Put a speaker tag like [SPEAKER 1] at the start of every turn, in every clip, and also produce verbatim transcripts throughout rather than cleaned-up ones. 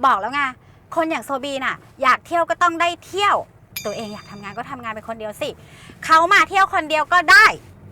[SPEAKER 1] บอกแล้วไงคนอย่างโซบีน่ะอยากเที่ยวก็ต้องได้เที่ยวตัวเองอยากทำงานก็ทำงานเป็นคนเดียวสิเขามาเที่ยวคนเดียวก็ได้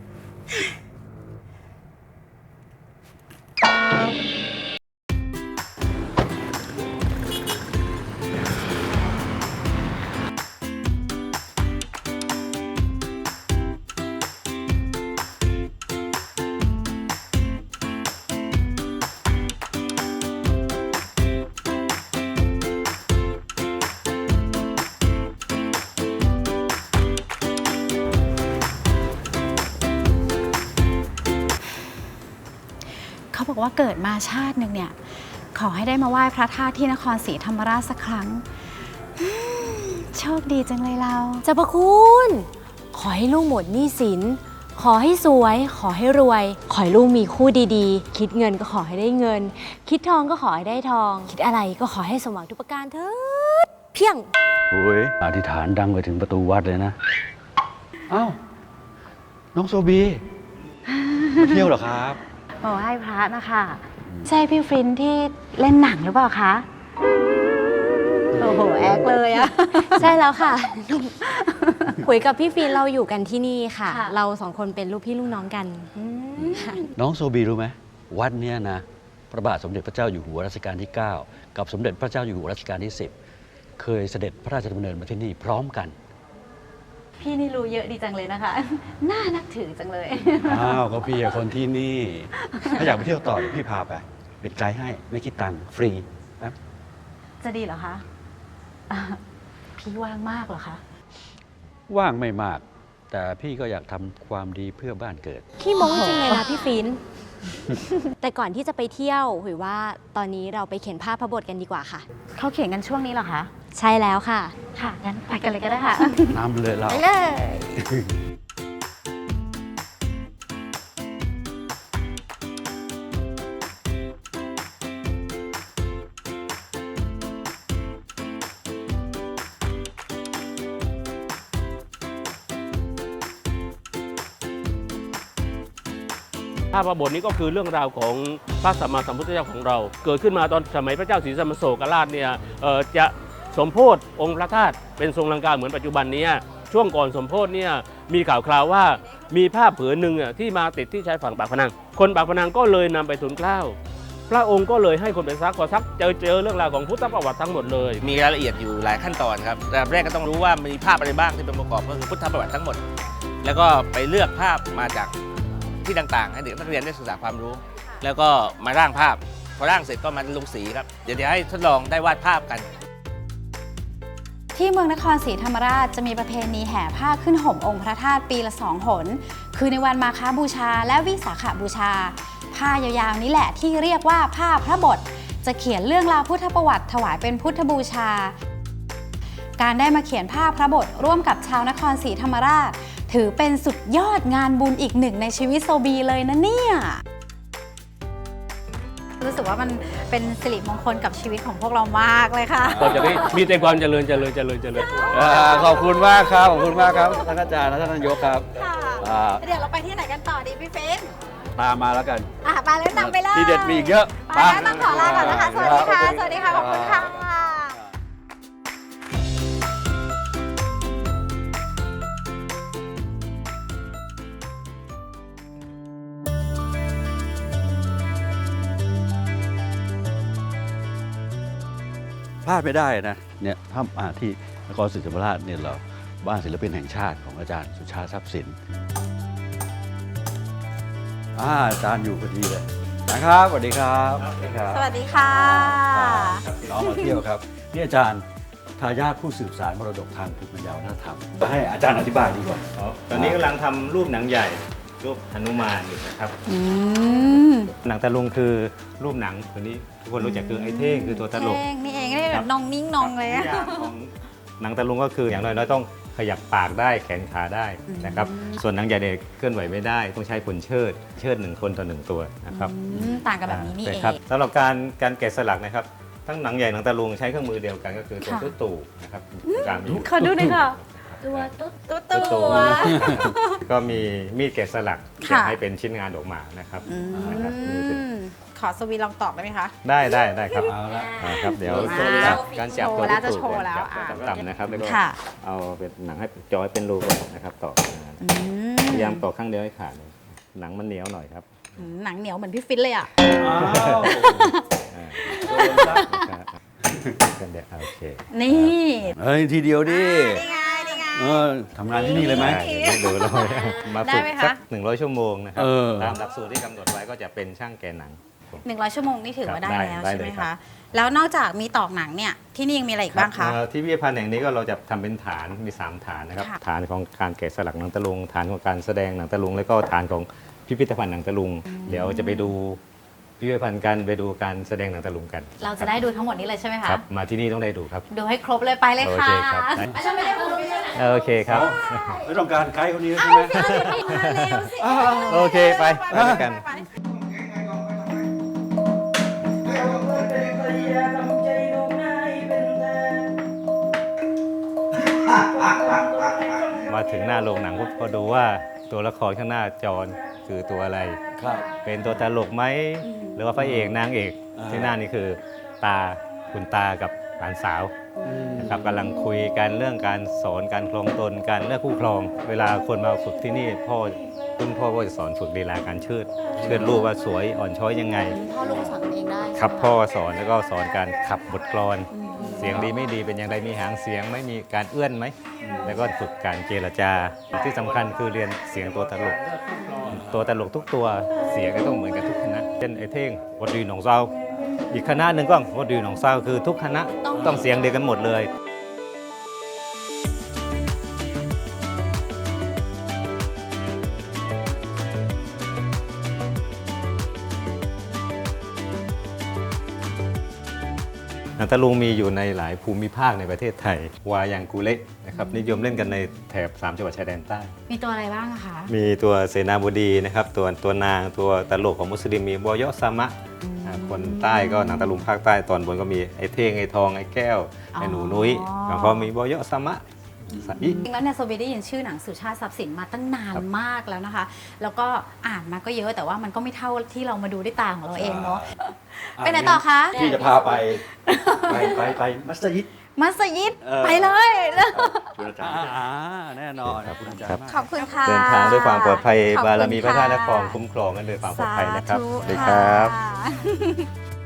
[SPEAKER 1] เขาบอกว่าเกิดมาชาติหนึ่งเนี่ยขอให้ได้มาไหว้พระธาตุที่นครศรีธรรมราชสักครั้งโชคดีจังเลยเรา
[SPEAKER 2] เจ้าพระคุณขอให้ลูกหมดหนี้สินขอให้สวยขอให้รวยขอให้ลูกมีคู่ดีๆคิดเงินก็ขอให้ได้เงินคิดทองก็ขอให้ได้ทองคิดอะไรก็ขอให้สมหวังทุกประการเถิดเพียง
[SPEAKER 3] โอ้ยอธิษฐานดังไปถึงประตูวัดเลยนะอ้าวน้องโซบีมาเที่ยวเหรอครับ
[SPEAKER 1] โอ้ให้พระนะคะใช่พี่ฟรินที่เล่นหนังหรือเปล่าคะโอ้โหแอคเลยอะ
[SPEAKER 2] ใช่แล้วค่ะคุยกับพี่ฟินเราอยู่กันที่นี่ค่ะ เราสองคนเป็นลูกพี่ลูกน้องกัน
[SPEAKER 3] น้องโซบีรู้ไหมวัดเนี้ยนะพระบาทสมเด็จพระเจ้าอยู่หัวรัชกาลที่เก้ากับสมเด็จพระเจ้าอยู่หัวรัชกาลที่สิบเคยเสด็จพระราชดำเนินมาที่นี่พร้อมกัน
[SPEAKER 1] พี่นี่รู้เยอะดีจังเลยนะคะน่านับถือจังเลย
[SPEAKER 3] อ้าวก็พี่คนที่นี่ถ้าอยากไปเที่ยวต่อพี่พาไปเป็นไกด์ให้ไม่คิดตังค์ฟรีนะ
[SPEAKER 1] จะดีเหรอคะพี่ว่างมากเหรอคะ
[SPEAKER 3] ว่างไม่มากแต่พี่ก็อยากทำความดีเพื่อบ้านเกิด
[SPEAKER 2] ขี้โม้จริงเลยนะพี่ฟินแต่ก่อนที่จะไปเที่ยวหุยว่าตอนนี้เราไปเขียนภาพพระบทกันดีกว่าค่ะ
[SPEAKER 1] เขาเขียนกันช่วงนี้เหรอคะ
[SPEAKER 2] ใช่แล้วค่ะ
[SPEAKER 1] ค่ะงั้นไปกันเลยก็ได้ค่ะ
[SPEAKER 3] น้ำเลยเรา
[SPEAKER 1] ไปเลย
[SPEAKER 4] ภาพพระบทนี้ก็คือเรื่องราวของพระสัมมาสัมพุทธเจ้าของเราเกิดขึ้นมาตอนสมัยพระเจ้าศรีสัมมาโศกราชเนี่ยจะสมโภชองค์พระธาตุเป็นทรงลังกาเหมือนปัจจุบันนี้ช่วงก่อนสมโภชเนี่ยมีข่าวคราวว่ามีผ้าผืนหนึ่งที่มาติดที่ชายฝั่งปากพนังคนปากพนังก็เลยนำไปทูลเกล้าพระองค์ก็เลยให้คนไปซักพอซักเจอเจอเรื่องราวของพุทธประวัติทั้งหมดเลย
[SPEAKER 5] มีรายละเอียดอยู่หลายขั้นตอนครับแต่แรกก็ต้องรู้ว่ามีภาพอะไรบ้างที่เป็นประกอบก็คือพุทธประวัติทั้งหมดแล้วก็ไปเลือกภาพมาจากที่ต่างๆให้เด็กนักเรียนได้ศึกษาความรู้แล้วก็มาร่างภาพพอร่างเสร็จก็มาลงสีครับเดี๋ยวจะให้ทดลองได้วาดภาพกัน
[SPEAKER 1] ที่เมืองนครศรีธรรมราชจะมีประเพณีแห่ผ้าขึ้นห่มองค์พระธาตุปีละสองหนคือในวันมาฆบูชาและวิสาขบูชาผ้ายาวๆนี้แหละที่เรียกว่าผ้าพระบทจะเขียนเรื่องราวพุทธประวัติถวายเป็นพุทธบูชาการได้มาเขียนผ้าพระบทร่วมกับชาวนครศรีธรรมราชถือเป็นสุดยอดงานบุญอีกหนึ่งในชีวิตโซบีเลยนะเนี่ยรู้สึกว่ามันเป็นสิริมงคลกับชีวิตของพวกเรามากเลยค่ะ
[SPEAKER 4] ก็จะได้มีแต่ความเจริญเจริญเจริญเจริญ
[SPEAKER 3] ขอบคุณมากครับขอบคุณมากครับท่านอาจารย์และท่านนายกครับ
[SPEAKER 1] เดี๋ยวเราไปที่ไหนกันต่อดีพี่ฟิน
[SPEAKER 3] ตามมาแล้วกัน
[SPEAKER 1] อ่ะไปแล้วนำไปเลย
[SPEAKER 3] ที่เด็ดมีอีกเยอะ
[SPEAKER 1] ไปแล้วต้องขอลาก่อนนะคะสวัสดีค่ะสวัสดีค่ะขอบคุณค่ะ
[SPEAKER 3] พลาดไม่ได้นะเนี่ยถ้ามาที่นครศรีธรรมราชเนี่ยเราบ้านศิลปินแห่งชาติของอาจารย์สุชาติทรัพย์สินอาจารย์อยู่พอดีเลยนะครับสวัสดีครับ
[SPEAKER 1] สวัสดีค่ะ
[SPEAKER 3] น้องมาเที่ยวครับนี่อาจารย์ทายาทผู้สืบสานมรดกทางภูมิปัญญาวัฒนธรรมให้อาจารย์อธิบายดีกว่า
[SPEAKER 6] ตอนนี้กำลังทำรูปหนังใหญ่รูปหนุมานอยู่นะครับหนังตะลุงคือรูปหนังตัวนี้ทุกคนรู้จักคือไอ้เท่งคือตัวตลก
[SPEAKER 1] นี่เองนี่แบบนองนิ่งนองเลย
[SPEAKER 6] ของหนังตะลุงก็คืออย่างน้อยๆต้องขยับปากได้แขนขาได้นะครับส่วนหนังใหญ่เนี่ยเคลื่อนไหวไม่ได้ต้องใช้คนเชิดเชิดหนึ่งคนต่อหนึ่งตัวนะครับ
[SPEAKER 1] ต่างกันแบบนี้นี่เอง
[SPEAKER 6] สำหรับการการแกะสลักนะครับทั้งหนังใหญ่หนังตะลุงใช้เครื่องมือเดียวกันก็คือตัวตุ๊ตู่นะครับ
[SPEAKER 1] การขอดูหน่อยค่ะตัวตุ๊ตู่ตัว
[SPEAKER 6] ก็มีมีดแกะสลักให้เป็นชิ้นงานออกมานะครับ
[SPEAKER 1] ขขอสวีลองตอกได้ไหมคะ
[SPEAKER 6] ได้ได้ได้ครับ
[SPEAKER 3] เอาละ
[SPEAKER 6] อ่าครับเดี๋ยว
[SPEAKER 1] อ่า
[SPEAKER 6] จับการจับตัว
[SPEAKER 1] โชว์แล้ว
[SPEAKER 6] ที่
[SPEAKER 1] จะ
[SPEAKER 6] ถูก
[SPEAKER 1] โชว์แล้ว
[SPEAKER 6] จับ
[SPEAKER 1] อ่า
[SPEAKER 6] ต่ำๆนะครับแล้วก็
[SPEAKER 1] ค่ะ
[SPEAKER 6] เอาเป็นหนังให้จอยเป็นรูก่อนนะครับตอกอ่า
[SPEAKER 1] อื
[SPEAKER 6] พยายามตอกข้างเดียวให้ขาดเลยหนังมันเหนียวหน่อยครับ
[SPEAKER 1] อืมหนังเหนียวเหมือนพี่ฟิตเลยอ่ะ
[SPEAKER 3] อ้าว
[SPEAKER 6] อ่า
[SPEAKER 3] โดนซะ
[SPEAKER 6] ครับเป็นเด็กโอเค
[SPEAKER 1] นี่
[SPEAKER 3] เฮ้ย ทีเดียวดิ
[SPEAKER 1] นี่ไงนี่ไง
[SPEAKER 3] เออทำงานที่นี่เลยไหม
[SPEAKER 6] อ่าเดี๋ยวดูเลยมา
[SPEAKER 1] ได้
[SPEAKER 6] ฝึก
[SPEAKER 1] ไหมคะ
[SPEAKER 6] สักหนึ่งร้อยชั่วโมงนะครับ
[SPEAKER 3] เออ
[SPEAKER 6] ตามหลักสูตรที่กำหนดไว้ก็จะเป็นช่างแกนหนัง
[SPEAKER 1] หนึ่งร้อยชั่วโมงนี่ถือว่า
[SPEAKER 6] ครั
[SPEAKER 1] ได้
[SPEAKER 6] บ
[SPEAKER 1] แล้ว
[SPEAKER 6] ได้
[SPEAKER 1] ใช่ไหม
[SPEAKER 6] ได้เลยครั
[SPEAKER 1] คะ
[SPEAKER 6] บ
[SPEAKER 1] แล้วนอกจากมีตอกหนังเนี่ยที่นี่ยังมีอะไรอีกบ้างคะ
[SPEAKER 6] เอ่อที่พิพิธภัณฑ์แห่งนี้ก็เราจะทำเป็นฐานมีสามฐานนะครับ
[SPEAKER 1] ค่ะ
[SPEAKER 6] ฐานของการแกะสลักหนังตะลุง ฐานของการแสดงหนังตะลุง แล้วก็ฐานของพิพิธภัณฑ์หนังตะลุง เดี๋ยวจะไปดูพิพิธภัณฑ์กันไปดูการแสดงหนังตะลุงกัน
[SPEAKER 1] เราจะได้ดูทั้งหมดนี้เลยใช่ไหมคะ
[SPEAKER 6] ครับมาที่นี่ต้องได้ดูครับ
[SPEAKER 1] ดูให้ครบเลยไปเลย
[SPEAKER 6] โอ
[SPEAKER 1] ค่ะ
[SPEAKER 6] เคครับได้
[SPEAKER 1] อาจารย์ไม่ได้พูดด้วยนะ
[SPEAKER 6] โอเคครับ
[SPEAKER 3] ไม่ต้องการไกด์คนนี้ใช่ไหม
[SPEAKER 6] โอเคไปไปด้วยกัน มาถึงหน้าโรงหนังก็ดูว่าตัวละครข้างหน้าจอคือตัวอะไร
[SPEAKER 3] ครับ
[SPEAKER 6] เป็นตัวตลกไหมหรือว่าพระเอกนางเอก
[SPEAKER 3] อ่า
[SPEAKER 6] ที่หน้านี่คือตาคุณตากับหลานสาวนะครับกำลังคุยกันเรื่องการสอนการครองตนการเลือกคู่ครอง เวลาคนมาฝึกที่นี่พ่อคุณพ่อก็จะสอนฝึกลีลาการเชิดเชิดลูกว่าสวยอ่อนช้อยยังไง
[SPEAKER 1] พ่อลูกสอนกันเองได้
[SPEAKER 6] ครับพ่อสอนแล้วก็สอนการขับบทกลอน เสียงดีไม่ดีเป็นอย่างไรมีหางเสียงไม่มีการเอื้อนไหมแล้วก็ฝึกการเจรจาที่สำคัญคือเรียนเสียงตัวตลก ตัวตลกทุกตัวเสียงก็ต้องเหมือนกันทุกคณะเช่นไอ้เท่งวัดดีหนองเศร้าอีกคณะหนึ่งก็วัดดีหนองเศร้าคือทุกคณะต้องเสียงเดียวกันหมดเลย หนังตะลุงมีอยู่ในหลายภูมิภาคในประเทศไทย วายังกูเละนะครับนิยมเล่นกันในแถบสามจังหวัดชายแดนใต้
[SPEAKER 1] มีตัวอะไรบ้างอะคะ
[SPEAKER 6] มีตัวเสนาบดีนะครับตัวตัวนางตัวตลกของมุสลิมมีบอยอซามะอ่าคนใต้ก็หนังตะลุงภาคใต้ตอนบนก็มีไอ้เท่งไอ้ทองไอ้แก้วไอ้หนูนุ้ยแล้วก็มีบอยอซามะสะอี
[SPEAKER 1] จริงแล้วเนี่ยโซบีได้ยินชื่อหนังสุชาติทรัพย์สินมาตั้งนานมากแล้วนะคะ แล้วก็อ่านมาก็เยอะแต่ว่ามันก็ไม่เท่าที่เรามาดูด้วยตาของเราเองเนาะ ไปไหนต่อคะ
[SPEAKER 3] ที่จะพาไป ไปไปไปมัสยิด
[SPEAKER 1] มัสยิด
[SPEAKER 3] เออ
[SPEAKER 1] ไปเลย
[SPEAKER 3] คุณอาจารย์อ่าแน่นอนคุณอาจารย์มาก
[SPEAKER 1] ขอบคุณค่ะ
[SPEAKER 6] เดินทางด้วยความปลอดภัย
[SPEAKER 1] ขอบคุณ
[SPEAKER 6] บารมีพระธาตุนคร
[SPEAKER 1] ค่ะ
[SPEAKER 6] คุ้มครองกันด้วยความปลอดภัยนะครับ
[SPEAKER 1] สาธุ
[SPEAKER 6] สวัสดีครับ
[SPEAKER 1] ค่ะ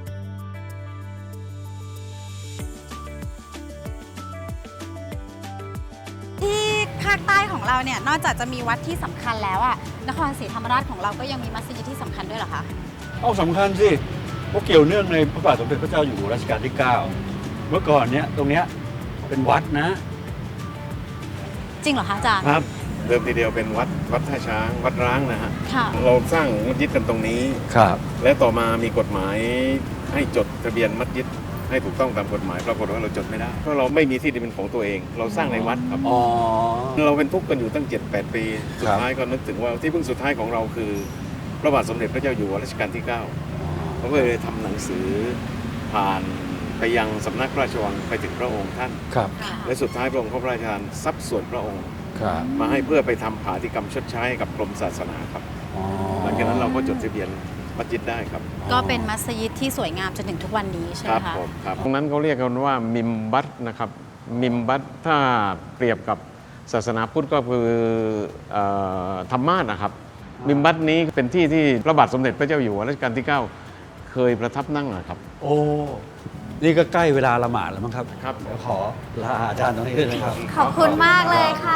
[SPEAKER 1] ที่ภาคใต้ของเราเนี่ยนอกจากจะมีวัดที่สำคัญแล้วอะนครศรีธรรมราชของเราก็ยังมีมัสยิดที่สำคัญด้วยเหรอคะ
[SPEAKER 3] เอาสำคัญสิเพราะเกี่ยวเนื่องในพระบาทสมเด็จพระเจ้าอยู่หัวรัชกาลที่ เก้า เมื่อก่อนเนี้ยตรงเนี้ยเป็นวัดนะ
[SPEAKER 1] จริงเหรอคะอาจารย์
[SPEAKER 7] ครับเดิมทีเดียวเป็นวัดวัดท่าช้างวัดร้างนะฮะ
[SPEAKER 1] ค่ะ
[SPEAKER 7] เราสร้างมัสยิดกันตรงนี้
[SPEAKER 3] ครับ
[SPEAKER 7] และต่อมามีกฎหมายให้จดทะเบียนมัสยิดให้ถูกต้องตามกฎหมายปรากฏว่าเราจดไม่ได้เพราะเราไม่มีที่ดินเป็นของตัวเอง เราสร้างในวัดครับ
[SPEAKER 3] อ๋อ
[SPEAKER 7] เราเป็นทุกข์กันอยู่ตั้ง เจ็ดแปด ปี สุ
[SPEAKER 3] ครั
[SPEAKER 7] ด
[SPEAKER 3] บ
[SPEAKER 7] ท้ายก็นึกถึงว่าที่พึ่งสุดท้ายของเราคือพระบาทสมเด็จพระเจ้าอยู่หัวรัชกาลที่ เก้าเขาก็เลยทำหนังสือผ่านไปยังสำนักพระราชวังไปถึงพระองค์ท่าน
[SPEAKER 3] ครับ
[SPEAKER 7] และสุดท้ายพระองค์ก็พระราชทานทรัพย์ส่วนพระองค์
[SPEAKER 3] ครับ
[SPEAKER 7] มาให้เพื่อไปทำผาธิกรรมชดใช้ให้กับกรมศาสนาครับ
[SPEAKER 3] อ๋อ
[SPEAKER 7] หลังจากนั้นเราก็จดทะเบียนมัสยิดได้ครับ
[SPEAKER 1] ก็เป็นมัสยิดที่สวยงามจนถึงทุกวันนี้ใช่
[SPEAKER 7] ค
[SPEAKER 1] ไหม
[SPEAKER 7] รับ
[SPEAKER 1] คะ
[SPEAKER 7] ผมครับ
[SPEAKER 8] ตรงนั้นเขาเรียกกันว่ามิมบัตนะครับมิมบัตถ้าเปรียบกับศาสนาพุทธก็คือเออธรรมาสนะครับ มิมบัตนี้เป็นที่ที่พระบาทสมเด็จพระเจ้าอยู่หัวรัชกาลที่ เก้า เคยประทับนั่งนะครับ
[SPEAKER 3] โอ้ นี่ก็ใกล้เวลาละหมาดแล้วมั้งครับ
[SPEAKER 7] ครับ
[SPEAKER 3] เดี๋ยวขอลาอาจารย์ตรงนี้ด้วยนะครับ
[SPEAKER 1] ขอบคุณมากเลยค่ะ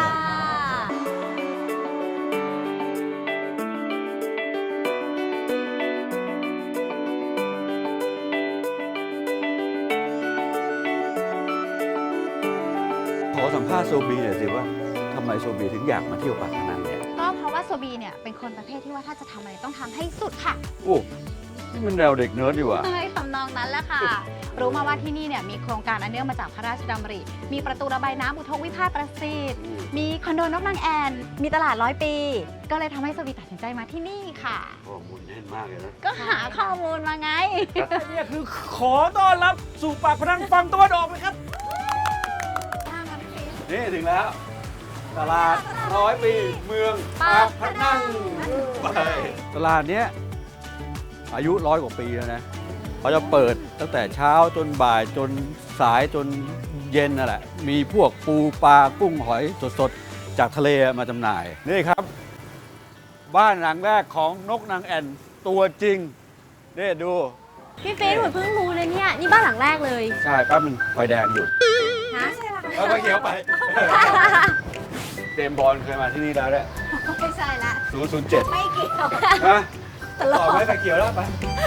[SPEAKER 3] ขอสัมภาษณ์โซบีหน่อยสิว่าทำไมโซบีถึงอยากมาเที่ยวปากพนังเนี่ย
[SPEAKER 1] ก็เพราะว่าโซบีเนี่ยเป็นคนประเภทที่ว่าถ้าจะทำอะไรต้องทำให้สุดค่ะ
[SPEAKER 3] โอ้ นี่มันแนวเด็กเนิร์ดดีว่ะ
[SPEAKER 1] ใช่ทำนองนั้นแหละค่ะ รู้มาว่าที่นี่เนี่ยมีโครงการอันเนื่องมาจากพระราชดำริ มีประตูระบายน้ำอุทกวิภาคประสิทธิ์ มีคอนโดนกนางแอ่น มีตลาดร้อยปี ก็เลยทำให้โซบีตัดสินใจมาที่นี่ค่ะ
[SPEAKER 3] ข้อมูลแน่นมากเลยนะ
[SPEAKER 1] ก็หาข้อมูลมาไง
[SPEAKER 9] เนี่ยคือขอต้อนรับสู่ปากพนังฝั่งตะวันออกเลยครับ
[SPEAKER 3] นี่ถึงแล้ว ตลาดร้อยปีเมืองปากพนังไปตลาดเนี้ยอายุร้อยกว่าปีแล้วนะเขาจะเปิดตั้งแต่เช้าจนบ่ายจนสายจนเย็นนั่นแหละมีพวกปูปลากุ้งหอยสดๆจากทะเลมาจำหน่ายนี่ครับ บ้านหลังแรกของนกนางแอ่นตัวจริงนี่ดู
[SPEAKER 2] พี่ฟินหนูเพิ่งรู้เลยเนี่ย นี่บ้านหลังแรกเลย
[SPEAKER 3] ใช่แป๊บนึงไฟแดงหยุด
[SPEAKER 2] ฮะ
[SPEAKER 3] เอาไฟเขียวไป เจมส์บอลเคยมาที่นี่แล้วแหละ
[SPEAKER 1] ไม่ใช่ละ
[SPEAKER 3] ศูนย์ ศูนย์ เจ็ด
[SPEAKER 1] ไม่เกี่ยว
[SPEAKER 3] ฮะ
[SPEAKER 1] ตล
[SPEAKER 3] ต่
[SPEAKER 1] อ
[SPEAKER 3] อ
[SPEAKER 1] ด
[SPEAKER 3] ไว้ไฟเขียวแล้วไป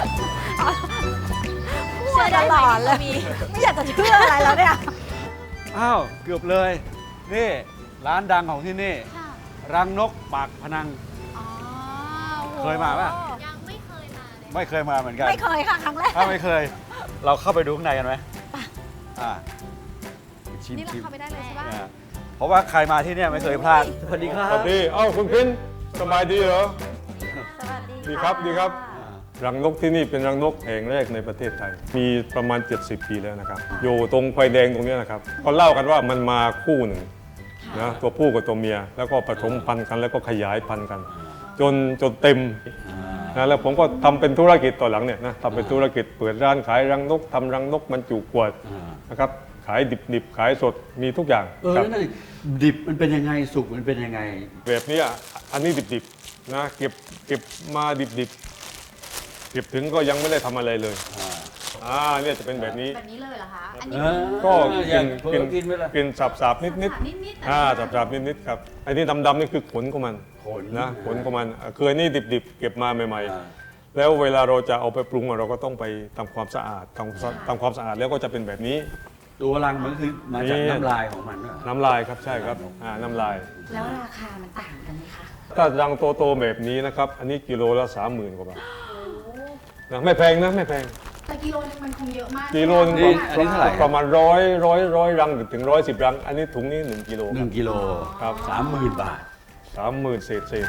[SPEAKER 1] เชื่อตลอดเลยไม่อยากจะเชื่ออะไรแล้วเนี่ย
[SPEAKER 3] อ้าว เกือบเลย นี่ ร้านดังของที่นี่ รังนกปากพนัง เคยมาป่ะ
[SPEAKER 2] ยังไม่เคยมาเลย
[SPEAKER 3] ไม่เคยมาเหมือนกัน
[SPEAKER 1] ไม่เคยค่ะครั้งแรก
[SPEAKER 3] ถ้าไม่เคย เราเข้าไปดูข้างในกันไหมอ่าชิม
[SPEAKER 1] นี่เรา
[SPEAKER 3] ชิม
[SPEAKER 1] เข้าไปได้เลยใช่ป่ะ
[SPEAKER 3] อ่าเพราะว่าใครมาที่เนี่ยไม่เคยพลาด สวัสดีครับ
[SPEAKER 10] สวัสดี เอ้าคุณพินสบายดีเหรอ
[SPEAKER 1] สวัสดี
[SPEAKER 10] ดีครับ ดีครับ รังนกที่นี่เป็นรังนกแห่งแรกในประเทศไทย มีประมาณ เจ็ดสิบ ปีแล้วนะครับ อยู่ตรงไฟแดงตรงเนี้ยนะครับเขาเล่ากันว่ามันมาคู่หนึ่งนะตัวผู้กับตัวเมีย แล้วก็ผสมพันธุ์กันแล้วก็ขยายพันธุ์กัน จนจนเต็มนะแล้วผมก็ทำเป็นธุรกิจต่อหลังเนี่ยนะทำเป็นธุรกิจเปิดร้านขายรังนกทำรังนกบรรจุขวดนะครับขายดิบๆขายสดมีทุกอย่าง
[SPEAKER 3] เออ
[SPEAKER 10] ครับ
[SPEAKER 3] นั่นดิดิบมันเป็นยังไง สุกมันเป็นยังไง
[SPEAKER 10] แบบนี้อ่ะอันนี้ดิบๆนะเก็บเก็บมาดิบๆเก็บถึงก็ยังไม่ได้ทำอะไรเลยอ่าเนี่ยจะเป็นแบบนี้
[SPEAKER 1] แบบนี้เลยเหรอคะ อัน
[SPEAKER 3] เอ
[SPEAKER 1] นี้
[SPEAKER 3] อ
[SPEAKER 10] ก็
[SPEAKER 3] อ
[SPEAKER 10] กิ
[SPEAKER 3] ย่าง
[SPEAKER 10] น
[SPEAKER 3] เพิ่
[SPEAKER 10] กิ
[SPEAKER 3] ง
[SPEAKER 10] น
[SPEAKER 3] กินไปละ
[SPEAKER 10] กินสับๆนิด
[SPEAKER 1] นิด
[SPEAKER 10] ๆ
[SPEAKER 1] ๆ
[SPEAKER 10] อ่าสับๆนิดๆครับไอ้นี่ดำๆนี่คือขนของมัน
[SPEAKER 3] ขน
[SPEAKER 10] นะขนของมันอ่ะคืออันนี้ดิบๆ เก็บมาใหม่
[SPEAKER 3] อ่า
[SPEAKER 10] ๆ แล้วเวลาเราจะเอาไปปรุงอ่ะเราก็ต้องไปทำความสะอาดทำทำความสะอาดแล้วก็จะเป็นแบบนี้
[SPEAKER 3] ตัวรังมันคือมาจาก
[SPEAKER 10] นี่
[SPEAKER 3] น้ำลายของมันด้วย
[SPEAKER 10] น้ำลายครับใช่ครับอ่าน้ำลาย
[SPEAKER 1] แล้วราคามันต่างกันไหมคะ
[SPEAKER 10] ถ้ารังโตๆแบบนี้นะครับ อันนี้กิโลละสามหมื่นกว่าบาทนะไม่แพงนะไม่แพง
[SPEAKER 1] แต่กิโลนึงมันคงเยอะมาก
[SPEAKER 10] กิโลนึง
[SPEAKER 3] นี่อันนี้เท่าไหร่
[SPEAKER 10] ประมาณร้อยร้อยร้อยรังถึงร้อยสิบรัง อันนี้ถุงนี้หนึ่งกิโล
[SPEAKER 3] หนึ่งกิโล
[SPEAKER 10] ครับ
[SPEAKER 3] สามหมื่นบาท
[SPEAKER 10] สามหมื่นเศษเศษ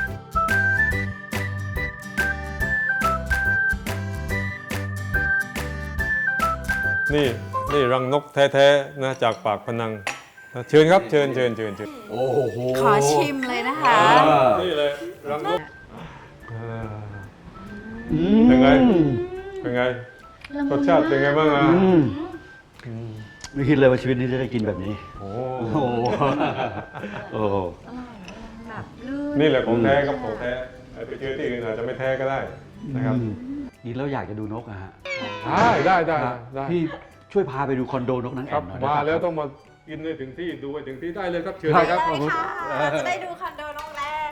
[SPEAKER 10] นี่นี่รังนกแท้ๆนะจากปากพนังนะเชิญครับเชิญเชิญเชิญเชิญ
[SPEAKER 3] โอ้โห
[SPEAKER 1] ขอชิมเลยนะคะ
[SPEAKER 3] อ่า
[SPEAKER 10] นี่เลยรังนกอ่า
[SPEAKER 3] อื
[SPEAKER 10] เป็นไง
[SPEAKER 3] ม
[SPEAKER 10] เป็นไงรสชาติเป็นไงบ้างอ่ะ
[SPEAKER 3] อืมไม่คิดเลยว่าชีวิตนี้จะได้กินแบบนี้
[SPEAKER 10] โอ้
[SPEAKER 3] โอ้โหโอ้โห
[SPEAKER 10] นี่แหละของแท้ครับของแท้ไปเจอที่อื่นอาจจะไม่แท้ก็ได้นะครับ
[SPEAKER 3] อืมนี่เราอยากจะดูนกอะฮะ
[SPEAKER 10] ได้ได้ได้ได้
[SPEAKER 3] พี่ช่วยพาไปดูคอนโดนกนาง
[SPEAKER 10] ค
[SPEAKER 3] แอ่
[SPEAKER 10] รับ
[SPEAKER 3] นหน่อย
[SPEAKER 10] มา
[SPEAKER 3] ได้ไห
[SPEAKER 10] แล้วต้องมากินให้ถึงที่ดูให้ถึงที่ได้เลยครับเชิญเลยครับ
[SPEAKER 3] ขอบคุณ
[SPEAKER 1] จะได้ดูคอนโดน้องแล้ว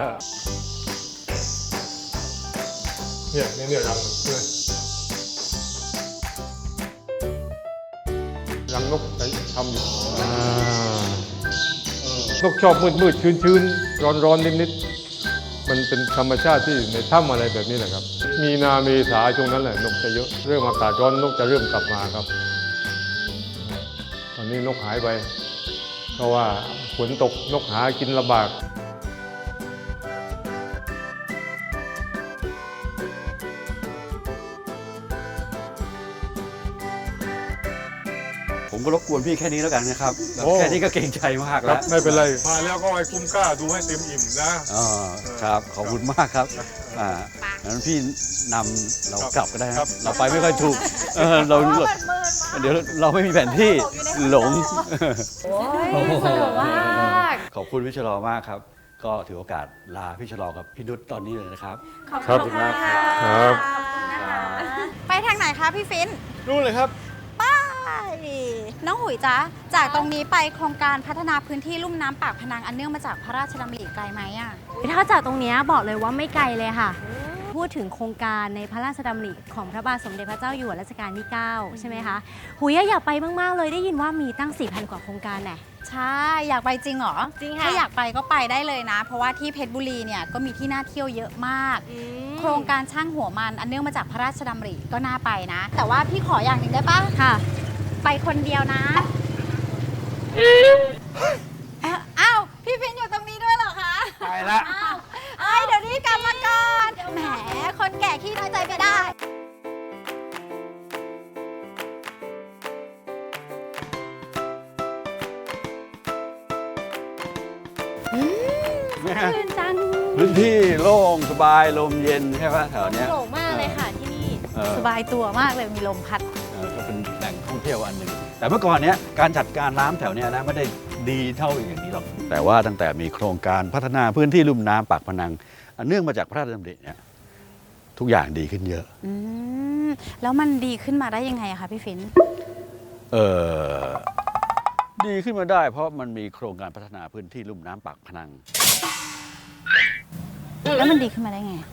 [SPEAKER 10] เนี่ยเนี่ยเนี่ยรังเนี่ยรังนกไหนทำอยู่นกชอบมืดมืดชื้นชื้นร้อนร้อนนิดนิดมันเป็นธรรมชาติที่ในถ้ำอะไรแบบนี้แหละครับ มีนาเมษาช่วงนั้นแหละนกจะเยอะเริ่มอากาศร้อนนกจะเริ่มกลับมาครับ ตอนนี้นกหายไป เพราะว่าฝนตกนกหากินลำบาก
[SPEAKER 3] ผมก็รบกวนพี่แค่นี้แล้วกันนะครับแบบ
[SPEAKER 10] โอ้
[SPEAKER 3] แค่นี้ก็เกรงใจมาก
[SPEAKER 10] ค
[SPEAKER 3] แล้
[SPEAKER 10] รั
[SPEAKER 3] ว
[SPEAKER 10] บไม่เป็นไร มาแล้วก็ให้คุ้มค่าดูให้เต็มอิ่มนะ
[SPEAKER 3] อ๋อครับ ขอบคุณมากครับอ่างั้นพี่นำเรากลับก็ได้นะครับ เราไปไม่ค่อยถูกเออเราเดี๋ยวเราไม่มีแผนที่หลง
[SPEAKER 1] โอ้ยสนุกมาก
[SPEAKER 3] ขอบคุณพี่ชะลอมากครับ ก็ถือโอกาสลาพี่ชะลอกับพี่นุชตอนนี้เลยนะครับ
[SPEAKER 1] ขอบ
[SPEAKER 10] ครับ
[SPEAKER 1] คุณมากค่ะ
[SPEAKER 10] ครับ
[SPEAKER 1] ไปทางไหนคะพี่ฟิน
[SPEAKER 10] รู้เลยครับ
[SPEAKER 1] ไปน้องหุยจ๊ะ จากตรงนี้ไปโครงการพัฒนาพื้นที่ลุ่มน้ำปากพนังอันเนื่องมาจากพระราชดำริไกลไหมอ่ะ
[SPEAKER 2] ถ้าจากตรงเนี้ยบอกเลยว่าไม่ไกลเลยค่ะ พูดถึงโครงการในพระราชดำริของพระบาทสมเด็จพระเจ้าอยู่หัวรัชกาลที่ เก้า ใช่ไหมคะหุยอยากไปมากๆเลยได้ยินว่ามีตั้ง สี่พัน กว่าโครงการแน่
[SPEAKER 1] ใช่ อยากไปจริงเหรอ
[SPEAKER 2] จริงค่ะ
[SPEAKER 1] ถ้าอยากไปก็ไปได้เลยนะ เพราะว่าที่เพชรบุรีเนี่ยก็มีที่น่าเที่ยวเยอะมาก โครงการช่างหัวมันอันเนื่องมาจากพระราชดำริก็น่าไปนะ แต่ว่าพี่ขออย่างหนึ่งได้ปะ
[SPEAKER 2] ค่ะ
[SPEAKER 1] ไปคนเดียวนะอ้าว พี่ฟินอยู่ตรงนี้ด้วยเหรอคะ
[SPEAKER 3] ไปละ
[SPEAKER 1] อ้าวเอ้ยเดี๋ยวนี้กลับมาก่อน แหม คนแก่ขี้น้อยใจไปได้
[SPEAKER 2] ชื่นจัง
[SPEAKER 3] พื้นที่โล่งสบายลมเย็นใช่ปะแถวเนี้ย
[SPEAKER 2] โล่งมากเลยค่ะที่นี่
[SPEAKER 3] ออ
[SPEAKER 1] สบายตัวมากเลยมีลมพัด
[SPEAKER 3] เออก็เป็นแหล่งท่องเที่ยวอันหนึ่งแต่เมื่อก่อนเนี้ยการจัดการน้ำแถวเนี้ยนะไม่ได้ดีเท่าอย่างนี้หรอกแต่ว่าตั้งแต่มีโครงการพัฒนาพื้นที่ลุ่มน้ำปากพนังอันเนื่องมาจากพระราชดำริเนี่ยทุกอย่างดีขึ้นเยอะ
[SPEAKER 1] อืมแล้วมันดีขึ้นมาได้ยังไงอะคะพี่ฟิน
[SPEAKER 3] เออดีขึ้นมาได้เพราะมันมีโครงการพัฒนาพื้นที่ลุ่มน้ำปากพนัง
[SPEAKER 1] แล้วมันดีขึ้นมาได้ไง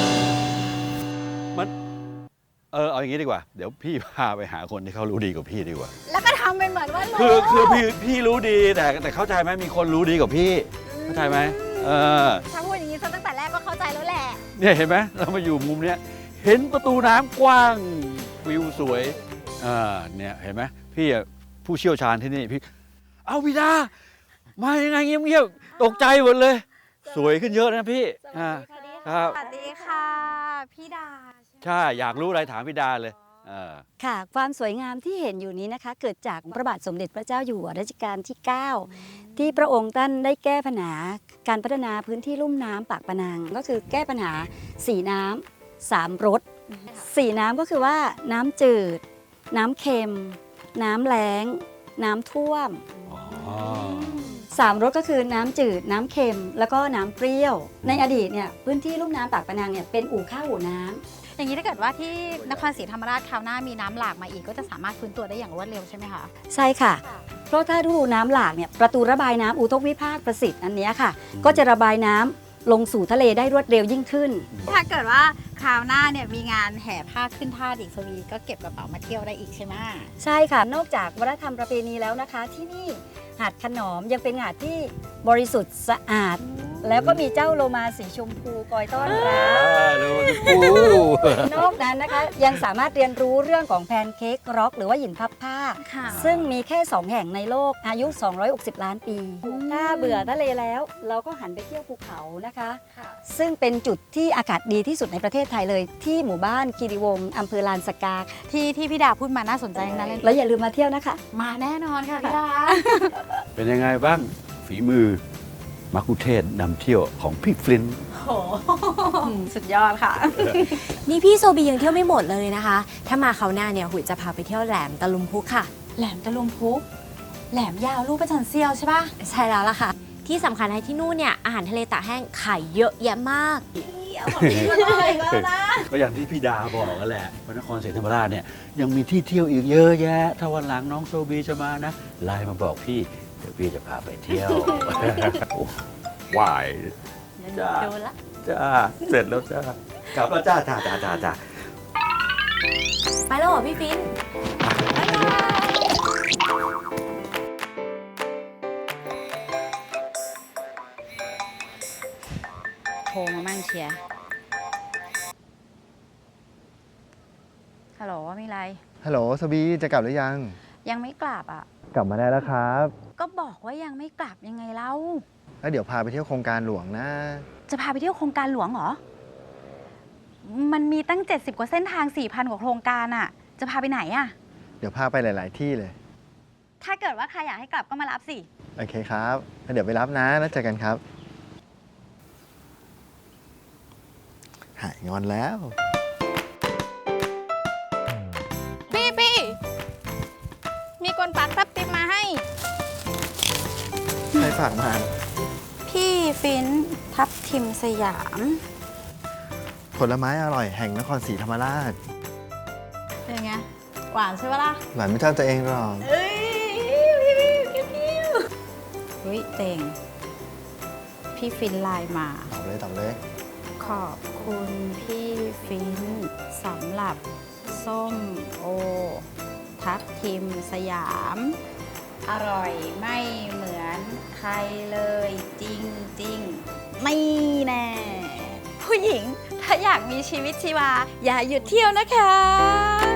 [SPEAKER 3] มันเออเอาอย่างนี้ดีกว่าเดี๋ยวพี่พาไปหาคนที่เขารู้ดีกว่าพี่ดีกว่า
[SPEAKER 1] แล้วก็ทำเป็นเหมือนว่ารู้
[SPEAKER 3] คือคือพี่พี่รู้ดีแต่แต่เข้าใจไหมมีคนรู้ดีกว่าพี่เข้าใจไหมเออ
[SPEAKER 1] ถ้าพูดอย่างนี้ซะตั้งแต่แรกก็เข้าใจแล้วแหละ
[SPEAKER 3] เนี่ยเห็นไหมเรามาอยู่มุมเนี้ยเห็นประตูน้ำกว้างวิวสวยอ่าเนี่ยเห็นไหมพี่อะผู้เชี่ยวชาญที่นี่พี่เอาพี่ดามายังไงเงียบๆตกใจหมดเลย สวยขึ้นเยอะนะพี่อ่าครับ
[SPEAKER 1] สวัสดีค่ะ พี่ดา
[SPEAKER 3] ใช่อยากรู้อะไรถามพี่ดาเลยเออ
[SPEAKER 11] ค่ะ ความสวยงามที่เห็นอยู่นี้นะคะ เกิดจากพระบาทสมเด็จพระเจ้าอยู่หัวรัชกาลที่ เก้า ที่พระองค์ท่านได้แก้ปัญหาการพัฒนาพื้นที่ลุ่มน้ำปากพนัง ก็คือแก้ปัญหาสีน้ำสามรสสีน้ำก็คือว่าน้ำจืด น้ำเค็ม น้ำแล้ง น้ำท่วม
[SPEAKER 3] อ๋อ
[SPEAKER 11] สามรสก็คือน้ำจืด น้ำเค็ม แล้วก็น้ำเปรี้ยว ในอดีตเนี่ยพื้นที่ลุ่มน้ำปากพนังเนี่ยเป็นอู่ข้าวอู่น้ำ
[SPEAKER 1] อย่างนี้ถ้าเกิดว่าที่นครศรีธรรมราชคราวหน้ามีน้ำหลากมาอีกก็จะสามารถฟื้นตัวได้อย่างรวดเร็วใช่ไหมคะ
[SPEAKER 11] ใช่ค่ะ เพราะถ้าฤดูน้ำหลากเนี่ยประตูระบายน้ำอุทกวิภาคประสิทธิ์อันเนี้ยค่ะ ก็จะระบายน้ำลงสู่ทะเลได้รวดเร็วยิ่งขึ้น
[SPEAKER 1] ถ้าเกิดว่าคราวหน้าเนี่ยมีงานแห่ผ้าขึ้นท่าอีกสวีก็เก็บกระเป๋ามาเที่ยวได้อีกใช่ไหม
[SPEAKER 11] ใช่ค่ะ นอกจากวัฒนธรรมประเพณีแล้วนะคะ ที่นี่หาดขนอมยังเป็นหาดที่บริสุทธิ์สะอาด แล้วก็มีเจ้าโลมาสีชมพูคอยต้อนรับ
[SPEAKER 3] ดูปู
[SPEAKER 11] นอกนั้นนะคะยังสามารถเรียนรู้เรื่องของแพนเค้กร็อกหรือว่าหินพับผ้า
[SPEAKER 1] ค่ะ
[SPEAKER 11] ซึ่งมีแค่ สอง แห่งในโลกอายุ สองร้อยหกสิบ ล้านปี ถ้าเบื่อทะเลแล้ว เราก็หันไปเที่ยวภูเขานะคะ ซึ่งเป็นจุดที่อากาศดีที่สุดในประเทศไทยเลย ที่หมู่บ้านคีรีวงศ์อำเภอลานสกา
[SPEAKER 1] ที่ที่พี่ดาพูดมาน่าสนใจทั้งนั้นเลย
[SPEAKER 11] แล้วอย่าลืมมาเที่ยวนะคะ
[SPEAKER 1] มาแน่นอนค่ะพี่ดา
[SPEAKER 3] เป็นยังไงบ้างฝีมือมักคุเทศก์นำเที่ยวของพี่ฟลินต์
[SPEAKER 1] โหสุดยอดค่ะ
[SPEAKER 2] นี่พี่โซบียังเที่ยวไม่หมดเลยนะคะ ถ้ามาคราวหน้าเนี่ยหุยจะพาไปเที่ยวแหลมตะลุมพุกค่ะ
[SPEAKER 1] แหลมตะลุมพุก แหลมยาวลูกประจันเซียวใช่ปะ
[SPEAKER 2] ใช่แล้วล่ะค่ะ ที่สำคัญให้ที่นู่นเนี่ยอาหารทะเลตากแห้งขายเยอะแยะมาก
[SPEAKER 3] ก็อย่างที่พี่ดาบอกกันแหละพระนครศรีธรรมราชเนี่ยยังมีที่เที่ยวอีกเยอะแยะ ถ้าวันหลังน้องโซบีจะมานะไลน์มาบอกพี่เดี๋ยวพี่จะพาไปเที่ยว โอ้วาย จ้า
[SPEAKER 1] โดนละ
[SPEAKER 3] จ้าเสร็จแล้วจ้ากลับแล้วจ้าจ้าจ้าจ้าจ้า
[SPEAKER 2] ไปแล้วเหรอพี่ฟิน
[SPEAKER 1] โทรมามั่งเชียร์ฮัลโหลมีอะไร
[SPEAKER 12] ฮัลโหลสบีจะกลับหรือยัง
[SPEAKER 1] ยังไม่กลับอ่ะ
[SPEAKER 12] กลับมาได้แล้วครับ
[SPEAKER 1] ก็บอกว่ายังไม่กลับยังไงเล่า
[SPEAKER 12] แล้วเดี๋ยวพาไปเที่ยวโครงการหลวงนะ
[SPEAKER 1] จะพาไปเที่ยวโครงการหลวงเหรอ มันมีตั้ง เจ็ดสิบ กว่าเส้นทาง สี่พัน กว่าโครงการอ่ะ จะพาไปไหนอ่ะ
[SPEAKER 12] เดี๋ยวพาไปหลาย ๆ ที่เลย
[SPEAKER 1] ถ้าเกิดว่าใครอยากให้กลับก็มารับสิ
[SPEAKER 12] โอเคครับแล้วเดี๋ยวไปรับนะแล้วเจอกันครับ หายงอนแล้ว
[SPEAKER 1] พี่พี่มีคนฝากทับทิมมาให้
[SPEAKER 12] ใครฝากมา
[SPEAKER 1] พี่ฟินทับทิมสยาม
[SPEAKER 12] ผลไม้อร่อยแห่งนครศรีธรรมราช
[SPEAKER 1] เป็นไง หวานใช่ปะล่ะ
[SPEAKER 12] หวานไม่เท่าตัวเองหรอก
[SPEAKER 1] เอ้ยพี่พี่พี่เฮ้ยเต่ง พี่ฟินไลน์มา
[SPEAKER 12] ตอบเลยตอบเลย
[SPEAKER 1] ขอบคุณพี่ฟินสำหรับส้มโอ ทับทิมสยาม อร่อยไม่เหมือนใครเลยจริงจริงๆไม่แน่ ผู้หญิงถ้าอยากมีชีวิตชีวา อย่าหยุดเที่ยวนะคะ